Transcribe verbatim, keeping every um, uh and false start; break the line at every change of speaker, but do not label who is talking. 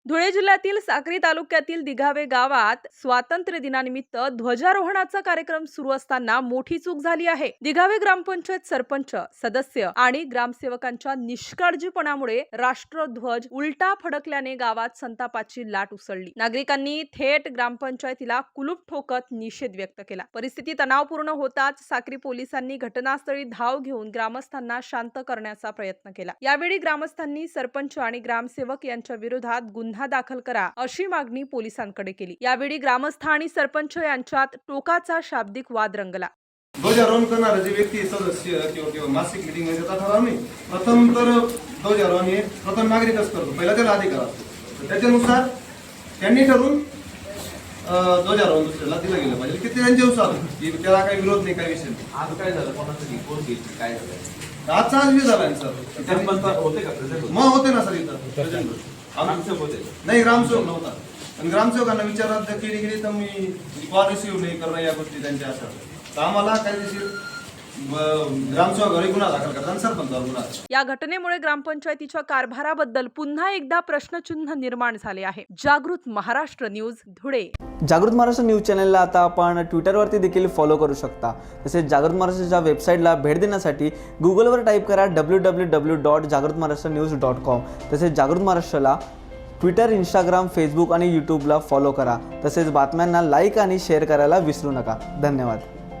धुळे जिल्ह्यातील साक्री तालुक्यातील दिघावे गावात स्वातंत्र्य दिनानिमित्त ध्वजारोहणाचा कार्यक्रम सुरू असताना मोठी चूक झाली आहे। दिघावे ग्रामपंचायत सरपंच, सदस्य आणि ग्रामसेवकांच्या निष्काळजीपणामुळे राष्ट्रध्वज उलटा फडकल्याने गावात संतापाची लाट उसळली। नागरिकांनी थेट ग्रामपंचायतीला कुलूप ठोकत निषेध व्यक्त केला। परिस्थिती तणावपूर्ण होताच साक्री पोलिसांनी घटनास्थळी धाव घेऊन ग्रामस्थांना शांत करण्याचा प्रयत्न केला। यावेळी ग्रामस्थांनी सरपंच आणि ग्रामसेवक यांच्या विरोधात गुन्हा दाखल करा अशी मागणी पोलिसांकडे केली। यावेळी ग्रामस्थ आणि सरपंच यांच्यात टोकाचा शाब्दिक वाद रंगला।
ध्वजारोहण करणारे जे व्यक्ती सदस्य किंवा किंवा मासिक मीटिंग मध्ये जातात ठरवणे प्रथम तर ध्वजारोहण हे प्रथम नागरिकच करतो, पहिला त्याला अधिकार असतो। त्याच्यानुसार त्यांनी ठरवून ध्वजारोहण दुसऱ्याला दिलं गेलं पाहिजे की ते त्यांच्यानुसार, की त्याला काही विरोध नाही, काही विषय नाही।
आज काय झालं, कोणासाठी कोण घेतली, काय झालं?
आजचा आज बी झाला सर,
होते का
मग होते ना सर इथं
ग्रामसेवक होते?
नाही, ग्रामसेवक नव्हता। आणि ग्रामसेवकांना विचारात केली गेली तर मी कॉल रिसिव्ह नाही करणं या गोष्टी त्यांच्या असतात। तर आम्हाला कायदेशीर ग्रामसेवकावर गुन्हा दाखल करतात, सरपंचावर गुन्हा।
या घटनेमुळे ग्रामपंचायतीच्या कारभाराबद्दल पुन्हा एकदा प्रश्नचिन्ह निर्माण झाले आहे। जागृत महाराष्ट्र न्यूज, धुळे।
जागृत महाराष्ट्र न्यूज चॅनलला आता आपण ट्विटरवरती देखील फॉलो करू शकता। तसेच जागृत महाराष्ट्राच्या वेबसाईटला भेट देण्यासाठी गुगलवर टाईप करा डब्ल्यू डब्ल्यू डब्ल्यू डॉट जागृत महाराष्ट्र न्यूज डॉट कॉम। तसेच जागृत महाराष्ट्राला ट्विटर, इंस्टाग्राम, फेसबुक आणि यूट्यूबला फॉलो करा। तसेच बातम्यांना लाईक आणि शेअर करायला विसरू नका। धन्यवाद।